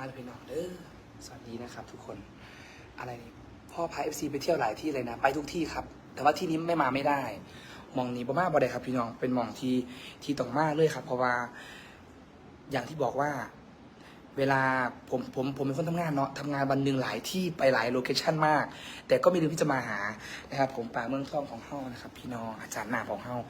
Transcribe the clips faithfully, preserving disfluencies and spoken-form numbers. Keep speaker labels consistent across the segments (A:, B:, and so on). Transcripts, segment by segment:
A: เลยพี่น้องเด้อสวัสดีนะครับทุกคนอะไรนี่พ่อพาเอฟซีไปเที่ยวหลายที่เลยนะไปทุกที่ครับแต่ว่าที่นี้ไม่มาไม่ได้มองนี้บ่มาบ่ได้ครับพี่น้องเป็นมองที่ที่ต้องมาเลยครับเพราะว่าอย่างที่บอกว่าเวลาผมผมผมเป็นคนทำงานเนาะทำงานวันหนึ่งหลายที่ไปหลายโลเคชั่นมากแต่ก็ไม่ลืมที่จะมาหานะครับผมป่าเมืองทองของเฮานะครับพี่น้องอาจารย์หน้าของเฮา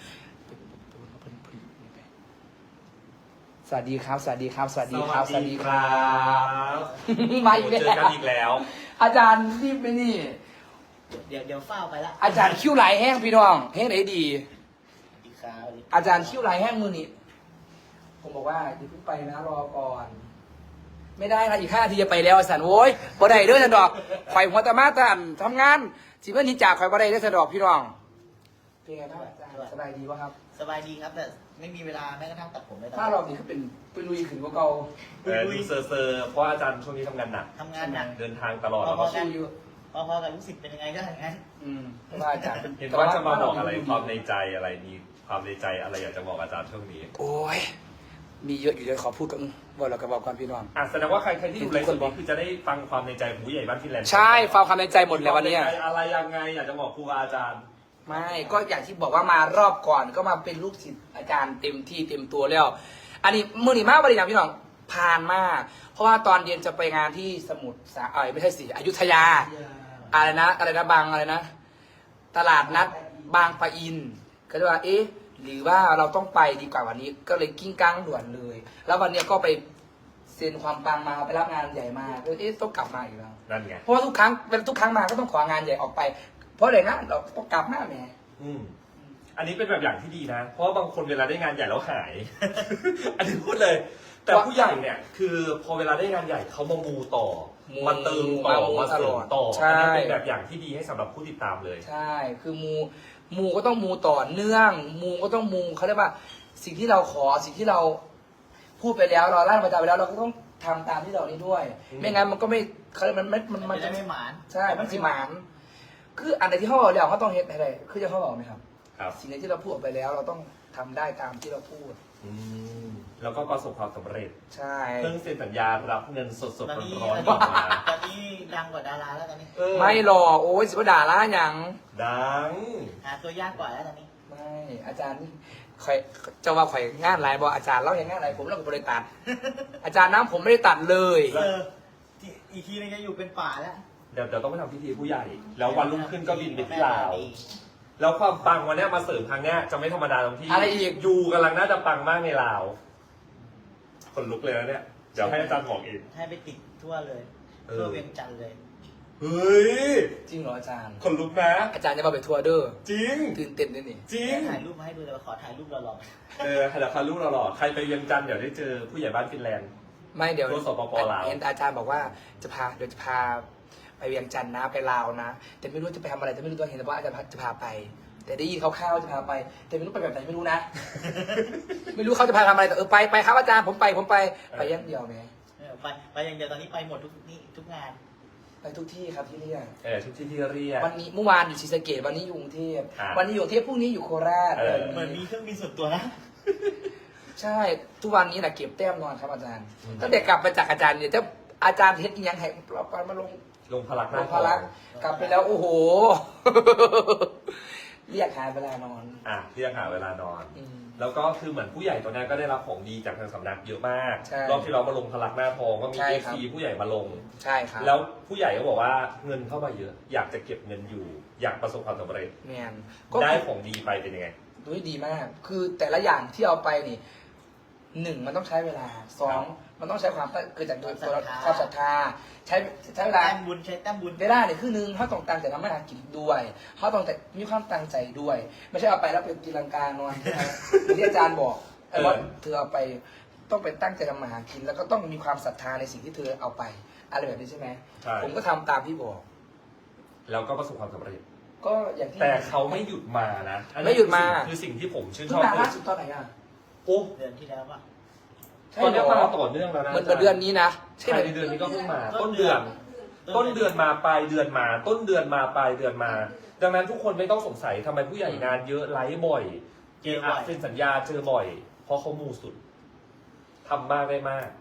A: สวัสดีครับสวัสดีครับสวัสดีครับสวัสดีครับมาอีกแล้ว
B: เจอกันอีกแล้ว
A: อาจารย์นี่ไปนี่
C: เดี๋ยวเดี๋ยวเฝ้าไปละ
A: อาจารย์คิ้วไหลแห้งพี่น้องแห้งไหนดี
C: อีกคราวนี้
A: อาจารย์คิ้วไหลแห้งมือนี้ผมบอกว่าอย่าเพิ่งไปนะรอก่อน ไม่ได้นะอีกห้านาทีจะไปแล้วสันโว้ยบ่ได้เด้อสันดอกข่อยหัวตะมาตันทำงานสิเพื่อนนี้จากข่อยบ่ได้เด้อสันดอกพี่น้องเป็นไงบ้างอาจารย์สบายดีวะครับ
C: สบายดีครับแต่ไม่มีเวลาแม้กระทั่งตัดผมเลย
A: ถ้ารอบนี้ก็เป็นเป็นลุยขึ้นกว่าเก่า
B: เออดูเซอร์เซอร์เพราะอาจารย์ช่วงนี้ทำงานหนัก
C: ทำงานหนัก
B: เดินทางตลอด
C: พ
B: แล้ว
C: อ
B: ก็
C: ๆกัน
A: สู้อยู่
C: พอๆกับลูกศิษย์เป็นยังไงก็อย่างนั้น
A: อืมเพราะว่าอาจารย์
B: เห็นว่าจะมาบอกอะไรความในใจอะไรมีความในใจอะไรอยากจะบอกอาจารย์ช่วงนี้
A: โอ้ยมีเยอะอยู่เลยขอพูดกันบอกเรากับบอกความพี่น้อง
B: อ่ะแสดงว่าใครใครที่ดูไลฟ์สดนี้คือจะได้ฟังความในใจของผู้ใหญ่บ้านฟินแลนด์
A: ใช่ฟังความในใจหมดเลยวันเนี้ย
B: ความใใจอะไรยังไงอยากจะบอกครูอาจารย์
A: ไม่ก็อย่างที่บอกว่ามารอบก่อนก็มาเป็นลูกศิษย์อาจารย์เต็มที่เต็มตัวแล้ว อันนี้มือหนีมากบริณาพี่น้องผ่านมาก เพราะว่าตอนเย็นจะไปงานที่สมุทรสาเอยไม่ใช่สิอยุธยา อะไรนะอะไรนะบางอะไรนะ ตลาดนัดบางปะอิน ก็เลยว่าเอ๊ะหรือว่าเราต้องไปดีกว่าวันนี้ ก็เลยกิ้งก้างด่วนเลย แล้ววันเนี้ยก็ไปเซ็นความปังมาไปรับงานใหญ่มาก็เอ๊ะต้องกลับมาอีกแล้ว
B: นั่นไง
A: เพราะว่าทุกครั้งเป็นทุกครั้งมาก็ต้องของานใหญ่ออกไป เพราะอะไรนะเราต้องกลับหน้าแหม่
B: อืมอันนี้เป็นแบบอย่างที่ดีนะ เพราะว่าบางคนเวลาได้งานใหญ่แล้วหาย อันนี้พูดเลย แต่ผู้ใหญ่เนี่ยคือพอเวลาได้งานใหญ่เขามามูต่อมาเติมต่อมาเสริมต่ออันนี้เป็นแบบอย่างที่ดีให้สำหรับผู้ติดตามเลย
A: ใช่ คือมูมูก็ต้องมูต่อเนื่อง มูก็ต้องมูเขาเรียกว่า สิ่งที่เราขอสิ่งที่เราพูดไปแล้วเราลั่นประจาไปแล้วเราก็ต้องทำตามที่เรานี้ด้วย
B: อืม
A: ไม่งั้นมันก็ไม่เขาเรียกมันมันมัน
C: มั
A: มัน น
C: จะ
A: จะ
C: ไม่หมาน
A: ใช่มันสิหมานคืออันไหนที่เขาบอกแล้วเขาต้องเฮ็ดอะไรคือจะเขาบอกไหมครับ
B: ครับ
A: สิ่งไหนที่เราพูดออกไปแล้ว เราต้องทำได้ตามที่เราพูด
B: อืมแล้วก็ประสบความสำเร็จ
A: ใช่
B: เพิ่งเซ็นสัญญารับเงินสด
C: ตอนนี้
B: ๆร้อน
C: ตอน
B: ๆออกมา
C: นี้ตอนนี้ดังกว่าดาราแล้วตอนนี้
B: เออ
A: ไม่หรอกโอ้ยสิบด่าละหยัง
B: ดัง
C: หาตัวยากกว่าแล้วตอนนี้
A: ไม่อาจารย์นี่ข่อยจะว่าข่อยงานไรบอกอาจารย์เล่าอย่างงานไรผมเราก็บริตัด อาจารย์น้ำผมไม่ได้ตัดเลย
C: เออที่อีกทีนึงจะอยู่เป็นป่าแล้ว
B: เดี๋ยวเดี๋ยวต้องไปทำพิธีผู้ใหญ่ แล้ววันรุ่งขึ้นก็บินไปที่ลาว แล้วความปังวันเนี้ยมาเสริมครั้งเนี้ยจะไม่ธรรมดาตรงที่
A: อะไรอีก
B: ยูกำลังน่าจะปังมากในลาวคนลุกเลยนะเนี่ย เดี๋ยวให้อาจารย์บอกเอง
C: ให้ไปติดทั่วเลย
B: เออ
C: ทั่วเวียงจันทร์เลย
B: เฮ้ย
A: จริงเหรออาจารย์
B: คนลุกนะ
A: อาจารย์จะมาไปทัวร์เด้อ
B: จริง
A: ตื่นเต้นด้วยนี่
B: จริง
C: ถ่ายรูปมาให้ดูแต่ว่าขอถ่ายรูปหล่อ
B: เออเดี๋ยวคารุเราหล่อใครไปเวียงจันทร์เดี๋ยวได้เจอผู้ใหญ่บ้านฟินแลนด์
A: ไม่เดี๋ยว
B: ทัวร์สปปลาว
A: เห็นอาจารย์บอกว่าจะพาเดี๋ยวจะพาไปเวียงจันทร์นะไปลาวนะ แต่ไม่รู้จะไปทำอะไรแต่ไม่รู้ตัวเห็นแต่ว่าอาจารย์จะพาไป แต่ได้ยินคร่าวๆจะพาไป แต่ไม่รู้ไปแบบไหนไม่รู้นะ ไม่รู้เขาจะพาทำอะไรแต่เออไปไปครับอาจารย์ผมไปผมไปไปอยังเดียวไหม
C: ๆเออไปไปอย่างเดียวตอนนี้ไปหมดทุกนี่ทุกงาน
A: ไปทุกที่ครับที่เรียก
B: เออทุกที่ที่เรียก
A: วันนี้เมื่อวานอยู่ศรีสะเกษวันนี้อยู่กรุงเทพ
B: อ่า
A: วันนี้อยู่กรุงเทพพรุ่งนี้อยู่โคราช
B: เออ
C: เหมือนมีเครื่องบินส่วนตัวนะ
A: ใช่ทุกวันนี้นะเก็บแต้มนอนครับอาจารย์ตั้งแต่กลับมาจากอาจารย์เนี่ยจะอาจารย์เฮ็ดอีหยังให้เราไปมาลง
B: ลงพลักห
A: ล
B: น้าง
A: พลังกลับไปแล้วโอ้โห เรียกหาเวลานอน
B: อ่ะเรียกหาเวลานอน
A: อืม
B: แล้วก็คือเหมือนผู้ใหญ่ตัวนี้ก็ได้รับของดีจากทางสำนักเยอะมาก
A: ใช่
B: รอบที่เรามาลงพลักหน้าทองก็มี
A: ใช่
B: เอ
A: ครับ
B: ซีผู้ใหญ่มาลง
A: ใช่ครับ
B: แล้วผู้ใหญ่ก็บอกว่าเงินเข้ามาเยอะ อยากจะเก็บเงินอยู่ อยากประสบความสำเร็จ
A: แมนก็
B: ได้ของดีไปเป็นยังไง
A: ดูดีมาก คือแต่ละอย่างที่เอาไปนี่หนึ่งมันต้องใช้เวลาสองมันต้องใช้ความตั้งเกิดจากโดยตัวเราความศรัทธาใช้ใช้เวลา
C: แต้มบุญใช้แต้มบุญ
A: เวลาเนี่ยคือหนึ่งเขาต้องตั้งใจทำให้หากินด้วยเขาต้องแต่มีความตั้งใจด้วย ไม่ใช่เอาไปแล้วเป็นตีลังกานอนเหมือนที่อาจารย์บอกไอ้ว่าเธอเอาไปต้องเป็นตั้งใจทำมาหากิน แล้วก็ต้องมีความศรัทธาในสิ่งที่เธอเอาไปอะไรแบบนี้ใช่ไหม
B: ใช่
A: ผมก็ทำตามที่บอก
B: แล้วก็ประสบความสำเร็จ
A: ก็อย่างที่
B: แต่เขาไม่หยุดมานะอันนี้
A: ไม่หยุดมา
B: คือสิ่งที่ผมชื่นช
A: เพิ่
B: อง บ
A: มา
B: คือ
A: ล่าสุดตอนไหนอ่ะ
B: โอ้
C: เดือนที่แล้วป่ะ
A: ใช่
B: ตอน
A: เหร
B: นี้
A: อ
B: มาต่อเนื่องแล้วนะ
A: เหมือนเหมือนเดือนนี้นะใช่
B: ใช่
A: ไหม
B: ในเดือนนี้ก็เพิ่งมา ต้นเดือน ต้นเดือนมาปลายเดือนมา ต้นเดือนมาปลายเดือนมา ดังนั้นทุกคนไม่ต้องสงสัยทำไมผู้ใหญ่งานเยอะไลฟ์บ่อย
C: เจอบ่อย
B: เซ็นสัญญาเจอบ่อย เพราะเขามูสุดทำมากได้มาก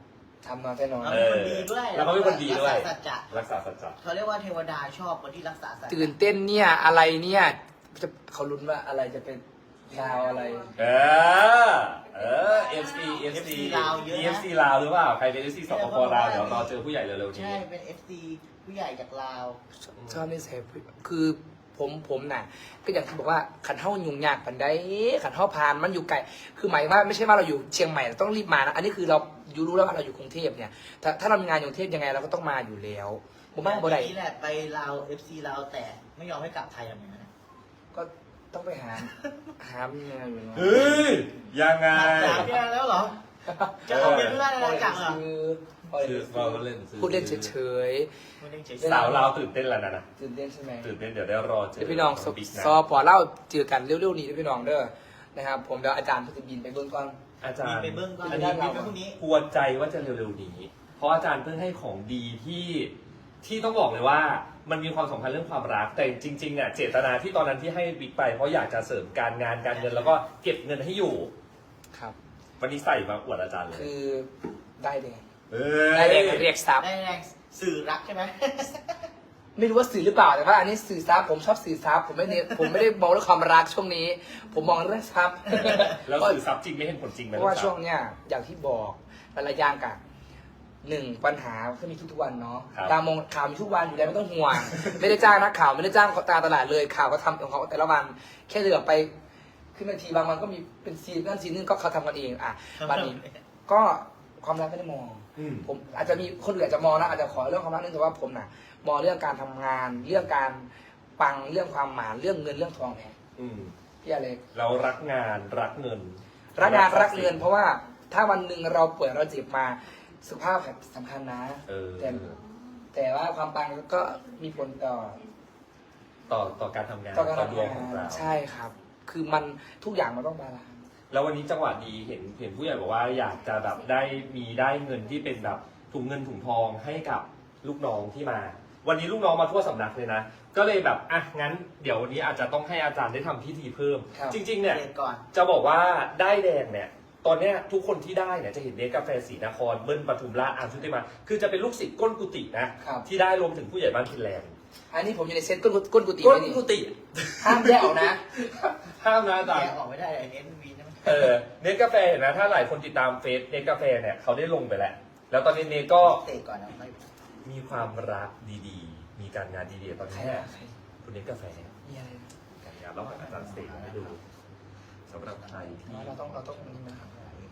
A: ทำมาแน่นอน
C: เราเป็นคนดีด้วย
B: แล้วก็เป็นคนดีด้วย
C: รักษาสัจจะ
B: รักษาสัจจะ
C: เขาเรียกว่าเทวดาชอบคนที่รักษาสัจจะ
A: ตื่นเต้นเนี่ยอะไรเนี่ยจะเขาลุ้นว่าอะไรจะเป็นดาวอะไร
B: เออ เออ เอฟ ซี เอฟ ซี
C: ลาวเยอะนะ
B: เอฟ ซี ลาวหรือเปล่า ใครเป็น เอฟ ซี สปปลาวเดี๋ยวรอเจอผู้ใหญ่เร็วๆนี้
C: ใช่เป็น เอฟ ซี ผู้ใหญ่จากลาว
A: ชอบนิสัยคือผมผมน่ะ ก็อย่างที่บอกว่าขันเท่ายุ่งยากปันได้ขันเท่าพานมันอยู่ไกลคือหมายว่าไม่ใช่ว่าเราอยู่เชียงใหม่เราต้องรีบมานะอันนี้คือเราอยู่รู้แล้วว่าเราอยู่กรุงเทพเนี่ยถ้าถ้าเรามีงานอยู่กรุงเทพยังไงเราก็ต้องมาอยู่แล้วผมว่าบ่ได้
C: นี่แหละไปลาว เอฟ ซี ลาวแต่ไม่ยอมให้กลับไทยอย่างนั้นนะ
A: ก็ต้องไปหาหาเมียอยู่เนาะ
B: เฮ้ย ยังไง
C: สามเดือนแล้วเหรอ จะเอาเงินเพื่อนอะไรกลับเหรอ
B: คือเราเล่น
A: พูดเล่นเฉย
C: ไม่ได้เฉย
B: สาวลาวตื่นเต้นแล้วนะนะ
A: ๆตื่นเต้นใช่ไหม
B: ตื่นเต้นเดี๋ยวได้รอเจอ
A: เดี๋ยวพี่น้อง
B: บิ๊กนะ
A: ซอพอเล่าเจอกันเร็วๆนี้ด้วยพี่น้องเด้อนะครับผมเดี๋ยวอาจารย์เพิ่งจะบินไปเบื้องก่อน
B: อาจาร
C: มี
B: ย์
C: ไปเบิ้งก่อน
B: อัน
C: มี
B: นี้
C: ไปพรุ่งนี้
B: กวนใจว่าจะเร็วๆนี้ เพราะอาจารย์เพิ่งให้ของดีที่ที่ต้องบอกเลยว่ามันมีความสำคัญเรื่องความรัก แต่จริงๆอ่ะเจตนาที่ตอนนั้นที่ให้บิ๊กไปเพราะอยากจะเสริมการงานการเงินแล้วก็เก็บเงินให้อยู่
A: ครับ
B: วันนี้ใส่มาอวดอาจารย์เลย
A: คือได้แดง
B: เอ้ย
A: ได้แดงเรียกซับ
C: ได้แรงสื่อรักใช่ไหม
A: ไม่รู้ว่าสื่อหรือเปล่าแต่ว่าอันนี้สื่อซับผมชอบสื่อซับผมไม่เน้นผมไม่ได้มองเรื่องความรักช่วงนี้ ผมมองเรื่องซับ
B: แล้วสื่อซับจริงไม่เห็นผลจริงไหม
A: เพราะว่า
B: ลูกส
A: ช่วงเนี้ยอย่างที่บอกหลายๆอย่างกันหนึ่งปัญหาก็มีทุกๆวันเนาะ
B: ครับ
A: ตามองข่าวมีทุกวันอยู่แล้วไม่ต้องห่วง ไม่ได้จ้างนักข่าวไม่ได้จ้างตามตลาดเลยข่าวก็ทำของเขาแต่ละวัน แค่เดือไปขึ้นบางทีบางวันก็มีเป็นซีนนั่นซีนนึงก็เขาทำกันเองอ่ะบัดนี้ก็ความรักไม่ได้มอง
B: อืม
A: ผมอาจจะมีคนอื่นอาจจะมองนะอาจจะขอเรื่องความรักนึงแต่ว่าผมน่ะมองเรื่องการทำงาน เรื่องการปังเรื่องความหมานเรื่องเงินเรื่องทองแน่
B: อืม
A: พี่อะไร
B: เรารักงานรักเงิน
A: รักงานรักเงิน เพราะว่าถ้าวันหนึ่งเราป่วยเราเจ็บมาสุขภาพสำคัญนะ
B: เออ
A: แต่แต่ว่าความปังก็มีผลต่อ
B: ต่อต่อการทำงาน
A: ต่อการ
B: ต่อ
A: ทำ
B: ดวง
A: งา
B: ของ
A: น
B: เรา
A: ใช่ครับ คือมันทุกอย่างมันต้องบาลานซ์
B: แล้ววันนี้จังหวะดีเห็นเห็นผู้ใหญ่บอกว่าอยากจะแบบได้มีได้เงินที่เป็นแบบถุงเงินถุงทองให้กับลูกน้องที่มา วันนี้ลูกน้องมาทั่วสำนักเลยนะ ก็เลยแบบอ่ะงั้นเดี๋ยววันนี้อาจจะต้องให้อาจารย์ได้ทำพิธีเพิ่ม
A: ครับ
B: จริง ๆ เนี่ย
C: เรียนก่อน
B: จะบอกว่าได้แดงเนี่ย ตอนเนี้ยทุกคนที่ได้เนี่ยจะเห็นเนสกาแฟศรีนครเบิ้ลปทุมราชอาร์มชุติมา คือจะเป็นลูกศิษย์ก้นกุฏินะครับ ที่ได้รวมถึงผู้ใหญ่บ้านฟินแลนด์
A: อันนี้ผมอยู่ในเซตก้นกุก้นกุฏิ
B: ก้
A: ไว้
B: น
A: นี่
B: กุฏิ
A: ห้ามแยกออกนะ
B: ห้ามนะอาจาร
C: แย
B: ย์
C: กออกไม่ได้ไอ้เน้นวีนะมัน
B: เออเนสกาแฟเห็นไหมถ้าหลายคนติดตามเฟซเนสกาแฟเนี่ยเขาได้ลงไปแล้ว แล้วตอนนี้เนสก็
C: เตะก่อนนะไม่
B: มีความรักดีๆ มีการงานดีๆตอน
A: ใคร
B: นี้
A: อะใคร
B: คุณเนสกาแฟ
A: มีอะไรนะ
B: การงานระหว่างอาจารย์เสกให้ดูสำหรับใครที่
A: เราต้องเราต้องนี่นะครับ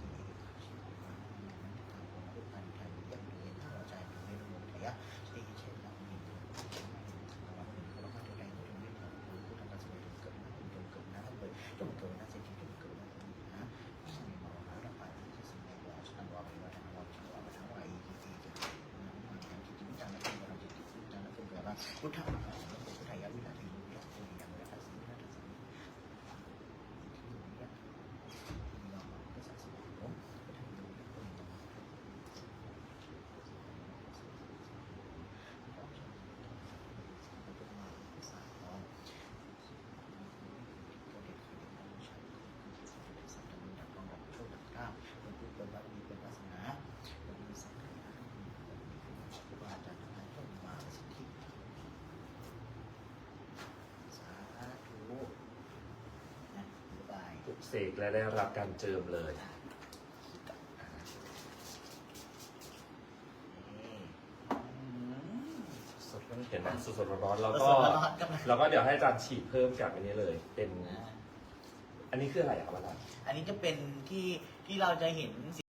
C: พุทธะพุทธายาวินาทีพุทธะปุริยังวินาทีวินาที
B: ปลุกเสกและได้รับการเจิมเลย
A: สดแล้ว
B: เห็นไหมสดๆร้อนๆแล้ว
C: แล้ว
B: ก็
C: ก็
B: แล้วก็เดี๋ยวให้อาจารย์ฉีดเพิ่มกับอันนี้เลย เป็น อันนี้คืออะไรครับอาจารย์
C: อันนี้จะเป็นที่ที่เราจะเห็น